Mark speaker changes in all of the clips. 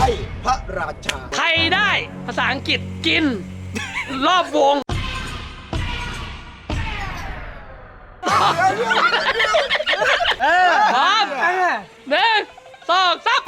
Speaker 1: พ่พระราชา
Speaker 2: ใครได้ภาษาอังกฤษกิน รอบวงพร้อม1 2 3ไป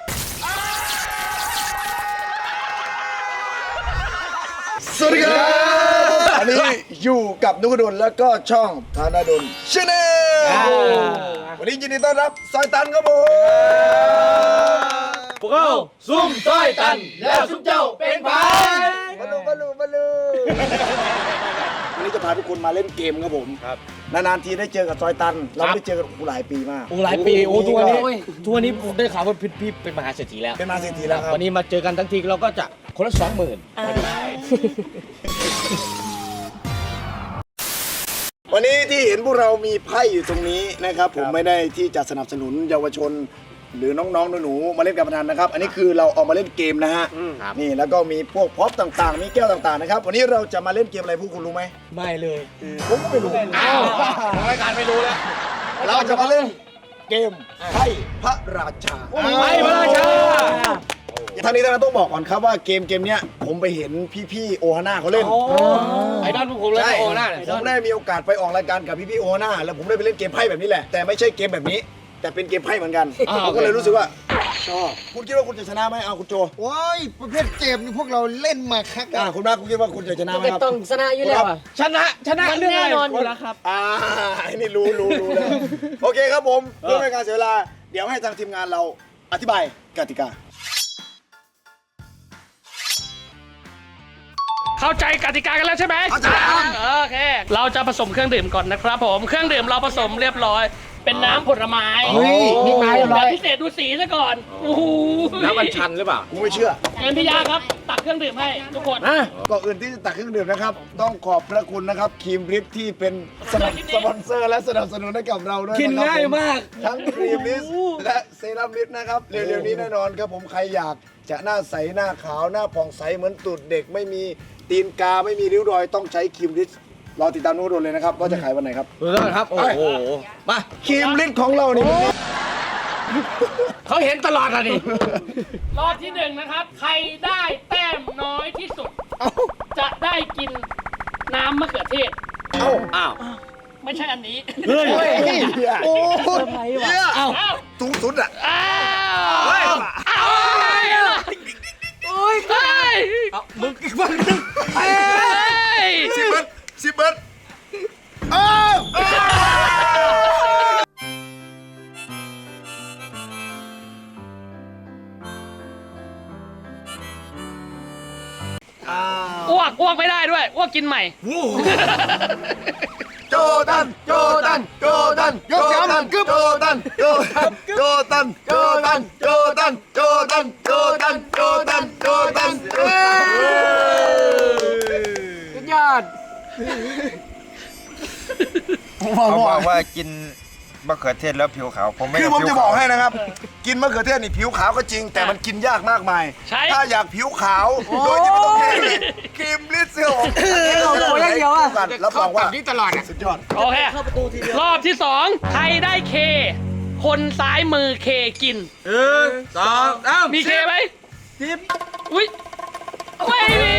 Speaker 1: สวัสดีครับอันนี้อยู่กับนุกดลแล้วก็ช่องธนดลชาแนลวันนี้ยินดีต้อนรับซอยตันครับผม
Speaker 3: พวกเราซุ่มซอยตันแล้วซุ่มเจ้าเป็นไผ่
Speaker 1: มาลูวันนี้จะพาทุกคนมาเล่นเกมครับผมนานๆทีได้เจอกับซอยตันเราไม่ได้เจอกันหลายปีมาก
Speaker 3: หลายปีทุกวันนี้ผมได้ข่าวว่าพี่เป็นมหาเศรษฐีแล้ว
Speaker 1: เป็นมหาเศรษฐีแล้วครับ
Speaker 3: วันนี้มาเจอกันทั้งทีเราก็จะคนละ 20,000
Speaker 1: วันนี้ที่เห็นพวกเรามีไพ่อยู่ตรงนี้นะครับผมไม่ได้ที่จะสนับสนุนเยาวชนหรือน้องๆหนูๆมาเล่นการพนันนะครับอันนี้คือเราเอามาเล่นเกมนะฮะนี่แล้วก็มีพวกพ็อปต่างๆมีแก้วต่างๆนะครับวันนี้เราจะมาเล่นเกมอะไรพวกคุณรู้ไหม
Speaker 3: ไม่เลย
Speaker 1: ผมก็ไม่รู้
Speaker 3: รายการไม่รู้แล้ว
Speaker 1: เราจะมาเล่นเกมไพ่พระราชา
Speaker 3: ไพ่พระราชา
Speaker 1: ท่านนี้ท่านต้องบอกก่อนครับว่าเกมเนี้ยผมไปเห็นพี่ๆโอฮาน่าเขาเล่น
Speaker 3: ไอดอลพวกผมเลยโอฮาน่า
Speaker 1: ผมได้มีโอกาสไปออกรายการกับพี่ๆโอฮาน่าแล้วผมได้ไปเล่นเกมไพ่แบบนี้แหละแต่ไม่ใช่เกมแบบนี้แต่เป็นเกมไพ่เหมือนกันผมก็เลยรู้สึกว่าชอบคุณคิดว่าคุณจะชนะไหมเอาคุณโจ
Speaker 4: โอ้ยประเภทเกมนี่พวกเราเล่นมาคัก
Speaker 1: คุณรักคุณคิดว่าคุณจะชนะไหมครับ
Speaker 5: ต้องชนะอยู่แล้ว
Speaker 3: ชนะ
Speaker 5: เรื่องแน่นอนอยู่แล้วครับ
Speaker 1: ไอ้นี่รู้แล้วโอเคครับผมเพื่อไม่ให้การเสียเวลาเดี๋ยวให้ทางทีมงานเราอธิบายกติกา
Speaker 2: เข้าใจกติกากันแล้วใช่ไหม
Speaker 1: เข้าใจ
Speaker 2: โอเคเราจะผสมเครื่องดื่มก่อนนะครับผมเครื่องดื่มเราผสมเรียบร้อยเป็นน้ำผลไม้
Speaker 4: นี่ไม้อะไร
Speaker 2: พิเศษดูสีซะก่อนโอ้โห
Speaker 3: น้ำมันชันหรือเปล่า
Speaker 1: กูไม่เชื่อ
Speaker 2: เงินพี่ยาครับตักเครื่องดื่มให้ทุกคน
Speaker 1: ก่อนอื่นที่จะตักเครื่องดื่มนะครับต้องขอบพระคุณนะครับครีมริฟที่เป็นสปอนเซอร์และสนับสนุนให้กับเราด้วย
Speaker 3: กินง่ายมาก
Speaker 1: ทั้งครีมริฟและเซรั่มริฟนะครับเร็วๆนี้แน่นอนครับผมใครอยากจะหน้าใสหน้าขาวหน้าผ่องใสเหมือนตูดเด็กไม่มีตีนกาไม่มีริ้วรอยต้องใช้ครีมริฟรอติดตามนู้นเลยนะครับว่าจะขายวันไหนครับ
Speaker 3: ครับโอ้โห
Speaker 1: มาครีมริฟของเรานี่
Speaker 3: เขาเห็นตลอดอ่ะนี่
Speaker 2: รอบที่1นะครับใครได้แต้มน้อยที่สุดจะได้กินน้ำมะเขือเทศ
Speaker 3: อ้าว
Speaker 2: ไม่ใช่อันนี้
Speaker 3: เฮ้ย
Speaker 1: โอ้ยสูงสุดอ่ะ
Speaker 3: มึงอีกวันนึง
Speaker 1: 10 เบิร์ด
Speaker 2: อ้วกไม่ได้ด้วยอ้วกกินใหม่
Speaker 1: โจตันยกแขนกึ๊บโจตัน
Speaker 5: สุดยอด
Speaker 6: เขาบอกว่ากินมะเขือเทศแล้วผิวขาว
Speaker 1: คือผมจะบอกให้นะครับกินมะเขือเทศนี่ผิวขาวก็จริงแต่มันกินยากมากมายถ้าอยากผิวขาวโดยที่ไม่ต้องครีมลิเซล
Speaker 5: โอ้ยเดียวอ่ะ
Speaker 1: รับรองว่า
Speaker 3: นี่ตลอด
Speaker 1: สุดยอด
Speaker 2: โอเครอบที่2ใครได้เคคนซ้ายมือเคกิน
Speaker 3: 2
Speaker 2: มีเคไหมอุ้ยไม่มี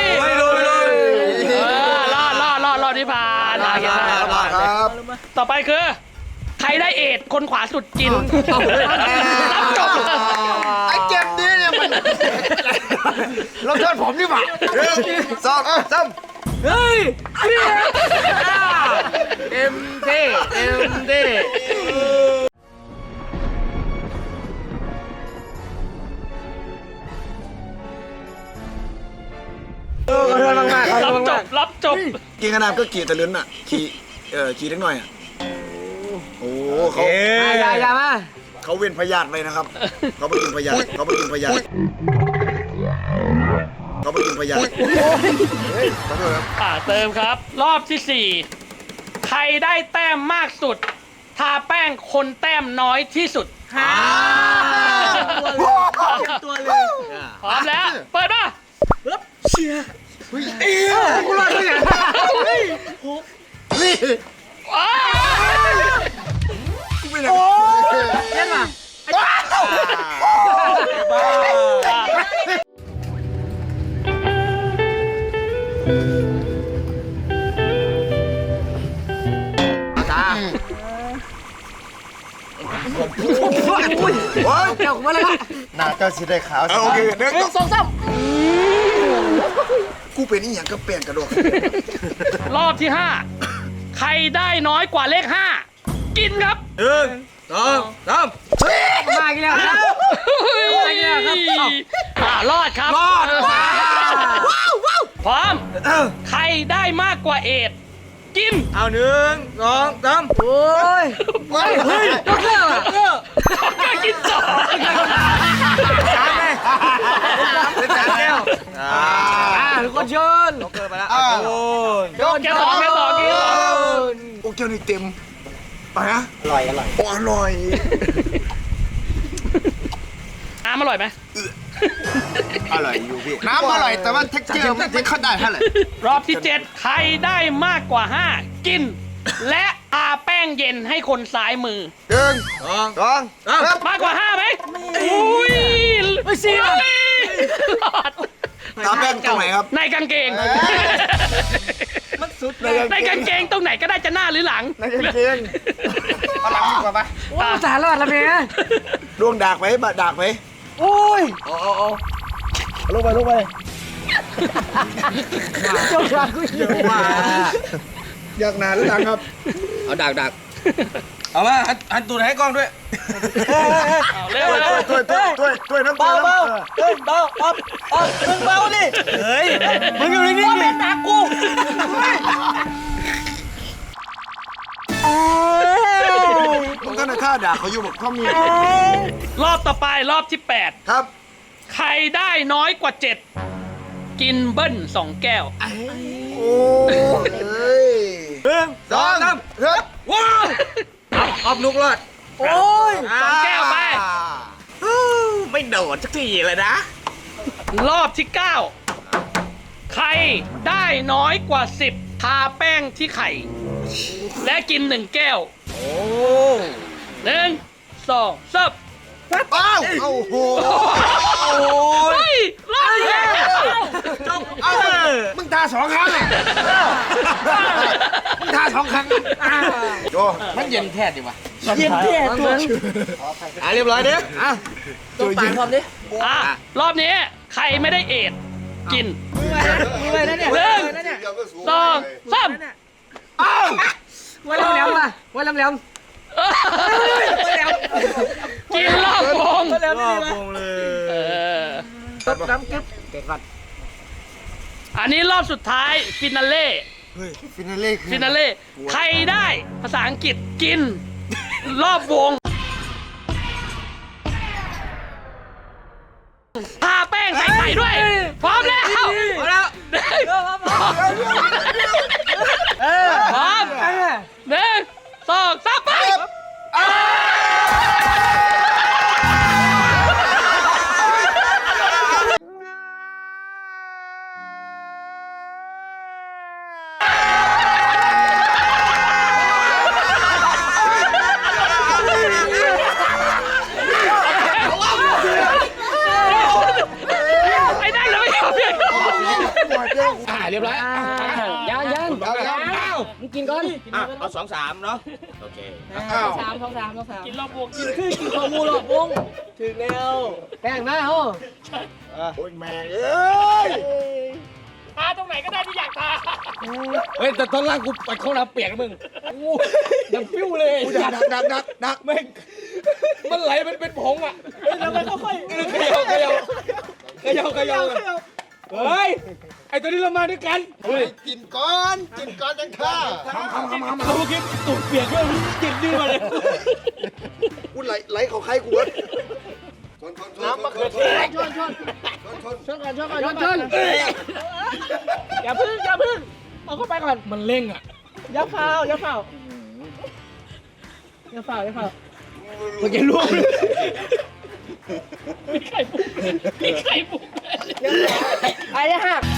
Speaker 2: รอดที่ผ่าน
Speaker 1: ครับ
Speaker 2: ต่อไปคือใครได้เอทคนขวาสุดกินรับจบ
Speaker 1: ไอ้เก็บนี้เนี่ยมันเราเชิญผมนี่หว่า1 2 3
Speaker 3: เฮ้ยเอ็มเท่
Speaker 2: รับจบ
Speaker 1: กินขนาดก็กี่ตะลึงอ่ะกี่เล็กหน่อยอ่ะโอ้เขา
Speaker 5: อย่ามา
Speaker 1: เขาเว้นพยาธิเลยนะครับเขาไปกินพยาธิ
Speaker 2: เติมครับรอบที่4ใครได้แต้มมากสุดทาแป้งคนแต้มน้อยที่สุด
Speaker 5: ตัวเลย
Speaker 2: พร้อมแล้วเปิดมา
Speaker 5: เชียร์
Speaker 1: กูรอดได้ยังนี่กูไม่ได้
Speaker 5: เล่นมาเดี๋ยวมาเลยละ
Speaker 4: หน้าเจ้าสิได้ขาวสิ
Speaker 1: โอเคหนึ่ง
Speaker 5: 1 2 3
Speaker 1: กูเป็นอีหยังก็เปลี่ยนกระโดด
Speaker 2: รอบที่ 5 ใครได้น้อยกว่าเลข 5 กินครับ
Speaker 5: มาอีกแล้วครับ
Speaker 2: รอดครับ รอดพร้อม ใครได้มากกว่าเอ็ดกิน
Speaker 3: เอา1 2 3
Speaker 5: โอ้ยเฮ้ยยกเลิกอ่ะ
Speaker 2: ก็กินต่อ
Speaker 5: ทุกคนเชิญ
Speaker 3: เกิดไปแล้ว
Speaker 5: โดน
Speaker 2: แกต่อ
Speaker 1: โอเคนี่เต็มไปนะอร่อยอร่อย
Speaker 2: น้ำอร่อยไหม
Speaker 4: อร่อยอยู่พี่น้ำอร่อยแต่ว่าเท็กเจอร์ไม่ค่อยได้เท่าไหร่
Speaker 2: รอบที่ 7 ใครได้มากกว่า 5 กิน และทาแป้งเย็นให้คนซ้ายมือ มากกว่า 5ไหมอุ้ยไม่เสียรอด
Speaker 1: ตาแป้งตรงไหนครับ
Speaker 2: ในกางเกง ในกางเกงตรงไหนก็ได้จะหน้าหรือหลัง
Speaker 1: ในกางเกง
Speaker 4: เอาหลังดีกว่าปะ
Speaker 5: โอ้สารรอดแล้วเมีย
Speaker 1: ดวงดากไหมบะดากไหม
Speaker 5: โอ้ย
Speaker 1: ลงไป
Speaker 5: เจ้าชายกูอยู่
Speaker 1: อยากหนาหรือหลังครับ
Speaker 3: เอาดักเอามาหันตูดให้กล้องด้วย
Speaker 2: เอาเร็ว
Speaker 1: ถ้วยน้ำ
Speaker 5: เบาเบาเฮ้ยเบามึงเบาดิ
Speaker 3: เฮ้ย
Speaker 5: มึงอยู่นิ่งๆเป็นนักกู
Speaker 1: ผมก็ในท่าด่าเขาอยู่บอกเขามี
Speaker 2: รอบต่อไปรอบที่
Speaker 1: ครับ
Speaker 2: 8 ใครได้น้อยกว่า 7 กินเบิ้ล2 แก้ว
Speaker 1: โอ้ย
Speaker 3: 2 3
Speaker 1: ครับ
Speaker 3: ว้าวออฟนุกรอด
Speaker 5: โอ้ย
Speaker 2: 2 แก้วไป
Speaker 3: ไม่โดดสักทีเลยนะ
Speaker 2: รอบที่ 9 ใครได้น้อยกว่า 10 ทาแป้งที่ไข่ และกิน 1 แก้ว
Speaker 3: โอ้
Speaker 2: 1 2 3
Speaker 1: อ้าวโอ้โห
Speaker 2: เฮ้ยรอบที่แล้ว
Speaker 4: มึงทา2 ครั้งอ่ะมึงทา2 ครั้ง
Speaker 1: โจ
Speaker 3: มันเย็นแท้ดิวะ
Speaker 5: เย็นแท้ตัว
Speaker 3: เรียบร้อยเด้อ
Speaker 5: ตัวปากความดิ
Speaker 2: รอบนี้ใครไม่ได้เอดกิน
Speaker 5: มือเลยนะเนี่ย
Speaker 2: 1 2 3
Speaker 5: ไว้แหลมๆมาไว้แหลม
Speaker 2: กินรอบวง
Speaker 5: ๆแหลมดีมา
Speaker 2: เออ
Speaker 5: ตบน้ำกึ๊บเด็กก่อน
Speaker 2: อันนี้รอบสุดท้ายฟินาเล่
Speaker 4: ฟินาเล่คือ
Speaker 2: ฟินาเล่ใครได้ภาษาอังกฤษกิน รอบวงทาแป้งใส่ไข่ด้วย พร้อมแล้วพร้อม 1 2 3ไปไอ้นั่นเลยไม่ยอมเปลี่ยน
Speaker 3: เรียบร้อย
Speaker 5: ยังมึงกินก่อน
Speaker 3: เอา2 3เนาะโอเค
Speaker 5: 3
Speaker 2: กินรอบวง
Speaker 5: กินของมูหลอกวงถึงแล้วแป้งหน้าเหรอ
Speaker 1: โอ้ยแม่เอ้ย
Speaker 2: ทาตรงไหนก็ได้ที่อยากทา
Speaker 3: เฮ้ยแต่ตอนล่างกูไปเข้าน้ำเปียกนะมึงยังฟิวเลย
Speaker 1: กูดัก
Speaker 3: แม่งมันไหลมันเป็นผงอ่ะ
Speaker 5: แล้วมันค่อย
Speaker 3: เขย่าเฮ้ยไอตัวนี้เรามาด้วยกัน
Speaker 4: กินก้อนจังท่า
Speaker 3: เขาเมื่อกี้ตูดเปียกก็กินดีมาเลย
Speaker 1: กูไหลเขาใครกูวะน้ำมะเขือเทศ
Speaker 5: ชนก่อนอย่าพึ่งเอาเข้าไปก่อน
Speaker 3: มันเร่งอ่ะ
Speaker 5: อย่าเฝ้า
Speaker 3: มันจะล่วง
Speaker 2: มีไข่ปุก
Speaker 5: ไอ้หัก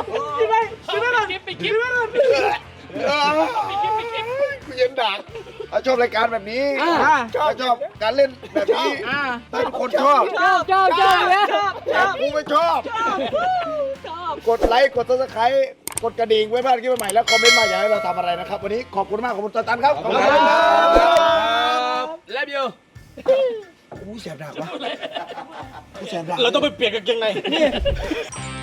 Speaker 2: ไปกิน
Speaker 1: กูเย็นดักไปถ้าชอบรายการแบบนี้ถ้าชอบการเล่นแบบนี้ถ้าทุกคนชอบ
Speaker 5: ชอบเนี่ย
Speaker 1: แต่กูไม่ชอบ กดไลค์กดซับสไครต์กดกระดิ่งไว้พลาดคลิปใหม่ๆแล้วคอมเมนต์มาอยากให้เราทำอะไรนะครับวันนี้ขอบคุณมากขอบคุณตันครับขอบคุณครับ
Speaker 3: และบิว
Speaker 1: กูแสบหนักวะกูแสบหนัก
Speaker 3: เราต้องไปเปลี่ยนกางเกงใน